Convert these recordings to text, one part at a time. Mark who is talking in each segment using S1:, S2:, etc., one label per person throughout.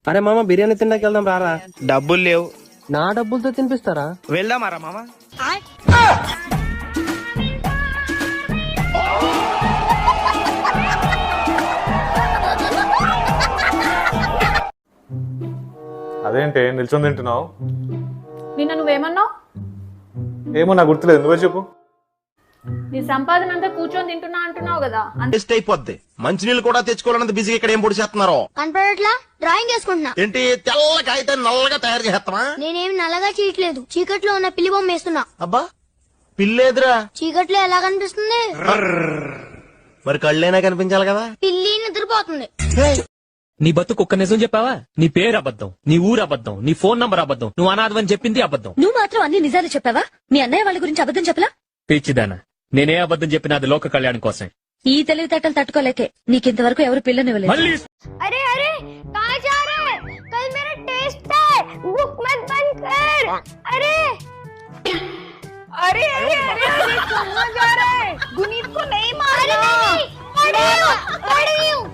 S1: అరే మామ బిర్యానీ తిన్నాక వెళ్దాం రారా.
S2: డబ్బులు లేవు.
S1: నా డబ్బులతో తినిపిస్తారా?
S2: వెళ్దామారా మామ?
S3: అదేంటి నిల్చొని తింటున్నావు?
S4: నిన్న నువ్వేమన్నావు?
S3: ఏమో నాకు గుర్తులేదు, నువ్వే చెప్పు.
S4: నీ సంపాదన అంతా కూర్చొని తింటున్నా అంటున్నావు కదా.
S5: వేస్ట్ అయిపోద్ది. మంచినీళ్ళు కూడా తెచ్చుకోవాలన్నది బిజీగా ఇక్కడ ఏం పొడి చేస్తున్నారు?
S6: కనపడట్లా? డ్రాయింగ్ వేసుకుంటున్నా.
S5: ఏంటి తెల్ల కాగితాన్ని నల్లగా తయారు చేస్తావా?
S6: నేనేం నల్లగా చేయట్లేదు, చీకట్లో ఉన్న పిల్లి బొమ్మ వేస్తున్నా.
S5: అబ్బా పిల్లేదురా.
S6: చీకట్లో ఎలా కనిపిస్తుంది?
S5: మరి కళ్ళైనా కనిపించాలి కదా.
S6: పిల్లి నిద్రపోతుంది.
S7: నీ బతుకు ఒక్క నిజం చెప్పావా? నీ పేరు అబద్ధం, నీ ఊరు అబద్ధం, నీ ఫోన్ నంబర్ అబద్ధం, నువ్వు అనాథవని చెప్పింది అబద్ధం.
S8: నువ్వు మాత్రం అన్ని నిజాలు చెప్పావా? మీ అన్నయ్య వాళ్ళ గురించి అబద్ధం చెప్పలా?
S7: పిచ్చిదానా, నేనే అబద్ధం చెప్పినా అది లోక కళ్యాణం కోసం.
S8: ఈ తెలివితేటలు తట్టుకోలేకే నీకింతవరకు ఎవరు పిల్లనివ్వలేదు.
S7: మళ్ళీ
S6: अरे अरे कहाँ जा रहे हैं? कल मेरा टेस्ट है, बुक मत बंद कर. अरे
S4: अरे अरे अरे अरे कहाँ जा रहा है? गुनीत को नहीं मारना.
S6: पढ़ रही हूँ.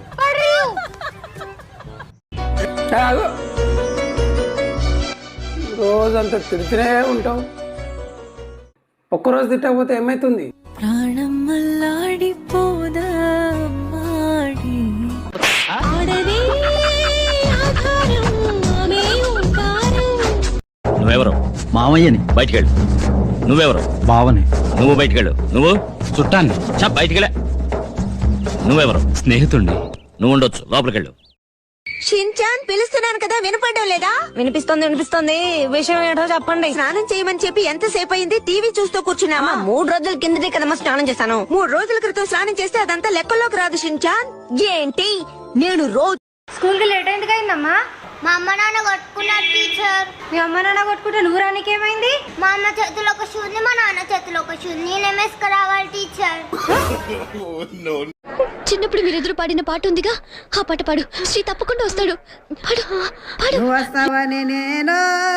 S1: రోజంతా తిడుతూనే ఉంటావు, ఒక్కరోజు తిట్టకపోతే ఏమైతుంది?
S8: ప్రాణం మల్లాడిపోదా మాడి ఆడదే ఆధారం ఆమె ఓంకారం.
S9: నువ్వెవరు?
S10: మామయ్యని.
S9: బయటికెళ్ళు. నువ్వెవరు?
S10: బావని.
S9: నువ్వు బయటికెళ్ళు. నువ్వు
S10: చుట్టాన్ని.
S9: చా బయటికెళ్ళ. నువ్వెవరు?
S10: స్నేహితుణ్ణి.
S9: నువ్వు ఉండొచ్చు, లోపలికెళ్ళు.
S8: షిన్చాన్ పిలుస్తున్నాను కదా, వినపడడం లేదా? వినిపిస్తోంది. విషయం ఏంటో చెప్పండి. స్నానం చేయమని చెప్పి ఎంతసేపు అయింది? టీవీ చూస్తూ కూర్చున్నామా? 3 రోజుల కిందటే కదమ్మా స్నానం చేశాను. 3 రోజుల క్రితం స్నానం చేస్తే అదంతా లెక్కల్లోకి రాదు షిన్చాన్. ఏంటి నేను రోజు
S6: స్కూల్ కి లేట్ ఎందుకు అయిందమ్మా? మా అమ్మ నాన్న కొట్టుకున్నారు టీచర్. మీ అమ్మ నాన్న కొట్టుకుంటే నువ్వు రానికి ఏమైంది? మా అమ్మ చేతిలో ఒక షూ ఉంది, మా నాన్న చేతిలో ఒక షూ. నేనేం వేసుకురావాలి టీచర్?
S8: చిన్నప్పుడు మీరెదురు పాడిన పాట ఉందిగా, ఆ పాట పాడు. శ్రీ తప్పకుండా వస్తాడు. పాడు పాడు.
S11: వస్తావని నేను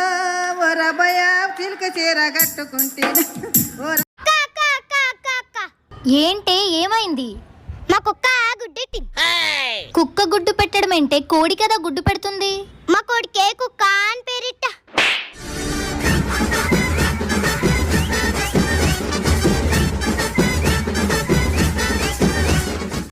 S11: చిలుక చీర కట్టుకుంటే.
S6: ఏంటే ఏమైంది? మా కుక్క గుడ్డెట్టి. కుక్క గుడ్డు పెట్టడం ఏంటే? కోడి కదా గుడ్డు పెడుతుంది. మా కోడికే కుక్క అని పేరిట్ట.